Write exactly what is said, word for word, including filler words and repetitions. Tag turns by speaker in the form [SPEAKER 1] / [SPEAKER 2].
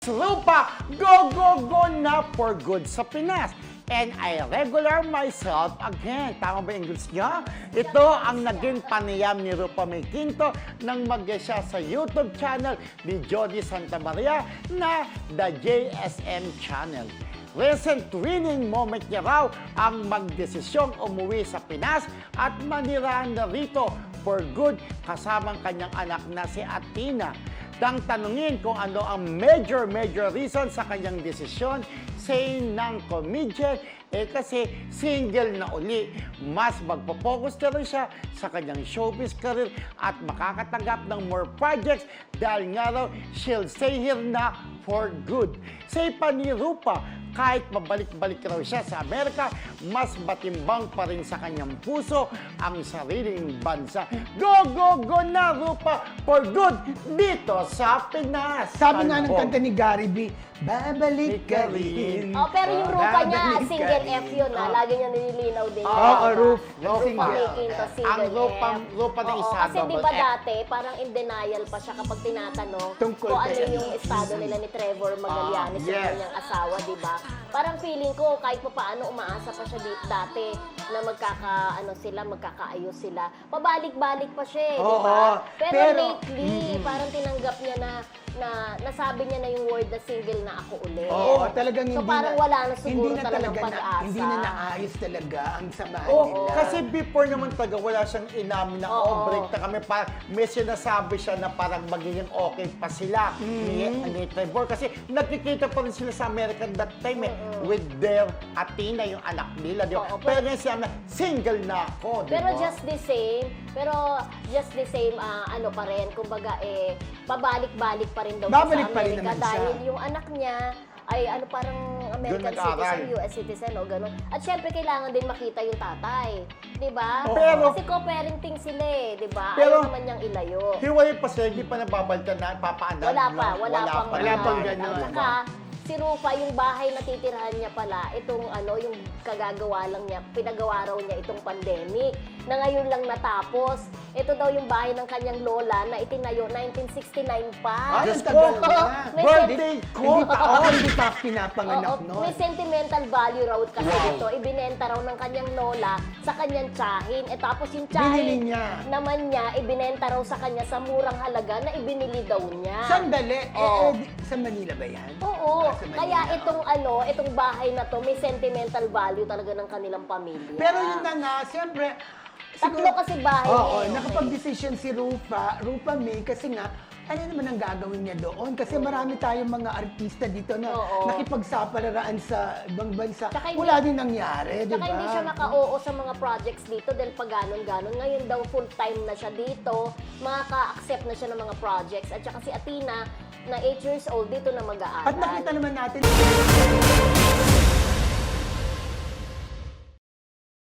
[SPEAKER 1] Lupa, go, go, go na for good sa Pinas. And I regular myself again. Tama ba yung English niya? Ito ang naging panayam ni Rupa May Quinto nang mag-siya sa YouTube channel ni Jody Santa Maria na The J S M Channel. Recent winning moment niya raw ang magdesisyong umuwi sa Pinas at manirahan na rito for good kasamang kanyang anak na si Athena. Nang tanungin kung ano ang major, major reason sa kanyang desisyon, say ng comedian, eh kasi single na uli. Mas magpo-focus na rin siya sa kanyang showbiz career at makakatanggap ng more projects dahil nga raw she'll stay here na for good. Say pa ni Rupa, kahit mabalik-balik raw siya sa Amerika, mas matimbang pa rin sa kanyang puso ang sariling bansa. Go, go, go na, Rupa, for good dito sa Pinas.
[SPEAKER 2] Sabi nga ng
[SPEAKER 1] Album.
[SPEAKER 2] kanta ni Gary B, babalik ka rin.
[SPEAKER 3] Oh, pero yung Rupa niya,
[SPEAKER 2] Babalik ka
[SPEAKER 3] single
[SPEAKER 2] rin.
[SPEAKER 3] F yun ha. Lagi niya nililinaw din.
[SPEAKER 2] Oo,
[SPEAKER 3] yan,
[SPEAKER 2] oh,
[SPEAKER 3] ha?
[SPEAKER 2] Rup.
[SPEAKER 3] Rupa
[SPEAKER 2] Single.
[SPEAKER 3] May Quinto, single
[SPEAKER 1] Ang Rupa,
[SPEAKER 3] F.
[SPEAKER 1] Rupa na
[SPEAKER 3] Oo,
[SPEAKER 1] isa,
[SPEAKER 3] kasi di
[SPEAKER 1] double
[SPEAKER 3] ba
[SPEAKER 1] F.
[SPEAKER 3] dati, parang in denial pa siya kapag tinatanong
[SPEAKER 2] Tungkol
[SPEAKER 3] kung ano
[SPEAKER 2] kay-
[SPEAKER 3] yung estado nila ni Trevor Magallanes,
[SPEAKER 1] Ah,
[SPEAKER 3] yung
[SPEAKER 1] yes.
[SPEAKER 3] kanyang asawa, di ba? Parang feeling ko, kahit pa paano umaasa pa siya di- dati na magkaka, ano sila, magkakaayos sila. Pabalik-balik pa siya, eh, di
[SPEAKER 2] Oo,
[SPEAKER 3] ba? Pero,
[SPEAKER 2] pero-
[SPEAKER 3] lately, parang tinanggap niya na na nasabi niya na yung word na single na ako ulit.
[SPEAKER 2] Oo, talagang
[SPEAKER 3] So
[SPEAKER 2] hindi
[SPEAKER 3] parang
[SPEAKER 2] na,
[SPEAKER 3] wala na siguro
[SPEAKER 2] hindi na
[SPEAKER 3] talagang
[SPEAKER 2] talaga na,
[SPEAKER 3] pag-asa.
[SPEAKER 2] hindi na naayos talaga ang samahan
[SPEAKER 1] Oh,
[SPEAKER 2] nila.
[SPEAKER 1] kasi before naman taga wala siyang inamin na
[SPEAKER 3] Oo.
[SPEAKER 1] oh, break na kami. Parang may sinasabi siya na parang magiging okay pa sila ni, ni Trevor. Kasi nakikita pa rin sila sa America that time eh, with their Athena, yung anak nila. Di ba?
[SPEAKER 3] Oo,
[SPEAKER 1] pero
[SPEAKER 3] pero-
[SPEAKER 1] ngayon siya na single na ako. Di
[SPEAKER 3] Pero
[SPEAKER 1] ba?
[SPEAKER 3] just the same, pero just the same, ah, ano pa rin, kumbaga eh, pabalik-balik pa rin daw siya
[SPEAKER 2] Babalik
[SPEAKER 3] sa
[SPEAKER 2] pa rin
[SPEAKER 3] Amerika
[SPEAKER 2] naman siya.
[SPEAKER 3] dahil yung anak niya ay ano parang American
[SPEAKER 1] nag-aral.
[SPEAKER 3] citizen, U S citizen o gano'n. At syempre kailangan din makita yung tatay, 'di ba?
[SPEAKER 1] Pero-
[SPEAKER 3] Kasi co-parenting sila eh, 'di ba?
[SPEAKER 1] Pero-
[SPEAKER 3] Ayaw naman niyang ilayo.
[SPEAKER 1] Hiwalay pa sila, hindi pa nababalitan na papaanak.
[SPEAKER 3] Wala pa,
[SPEAKER 1] lang.
[SPEAKER 3] wala, pang
[SPEAKER 2] wala pang
[SPEAKER 3] ganun.
[SPEAKER 2] ganun.
[SPEAKER 3] At saka, si Rufa, yung bahay na titirhan niya pala, itong ano, yung kagagawa lang niya, pinagawa raw niya itong pandemic, na ngayon lang natapos. Ito daw yung bahay ng kanyang lola na itinayo nineteen sixty-nine pa.
[SPEAKER 2] Ay,
[SPEAKER 1] Diyos
[SPEAKER 2] ang tagal
[SPEAKER 1] ko,
[SPEAKER 2] na.
[SPEAKER 3] May
[SPEAKER 1] birthday ko!
[SPEAKER 2] Hindi pa, oh, hindi pa pinapanganak
[SPEAKER 3] Oo,
[SPEAKER 2] noon.
[SPEAKER 3] may sentimental value raw kasi
[SPEAKER 1] Wow.
[SPEAKER 3] ito. Ibinenta raw ng kanyang lola sa kanyang tsahin. E tapos yung
[SPEAKER 2] Binili
[SPEAKER 3] tsahin
[SPEAKER 2] niya.
[SPEAKER 3] naman niya, ibinenta raw sa kanya sa murang halaga na ibinili daw niya.
[SPEAKER 2] Sandali, eh,
[SPEAKER 3] Oo.
[SPEAKER 2] eh, di- sa Manila ba yan?
[SPEAKER 3] Oo.
[SPEAKER 2] Ah, sa Manila.
[SPEAKER 3] Kaya itong ano, itong bahay na to, may sentimental value talaga ng kanilang pamilya.
[SPEAKER 2] Pero yun na nga, siyempre,
[SPEAKER 3] Tatlo kasi bahay
[SPEAKER 2] Oo,
[SPEAKER 3] niya, eh,
[SPEAKER 2] nakapag-decision si Rupa, Rupa May, kasi nga, ano naman ang gagawin niya doon? Kasi marami tayong mga artista dito na
[SPEAKER 3] Oo.
[SPEAKER 2] nakipagsapalaraan sa ibang bansa.
[SPEAKER 3] Tsaka hindi-
[SPEAKER 2] Wala din nangyari, di ba?
[SPEAKER 3] Saka hindi siya maka-oo sa mga projects dito dahil pag ganon-ganon. Ngayon daw full-time na siya dito, makaka-accept na siya ng mga projects. At saka si Athena, na eight years old, dito na mag-aaral.
[SPEAKER 2] At nakita naman natin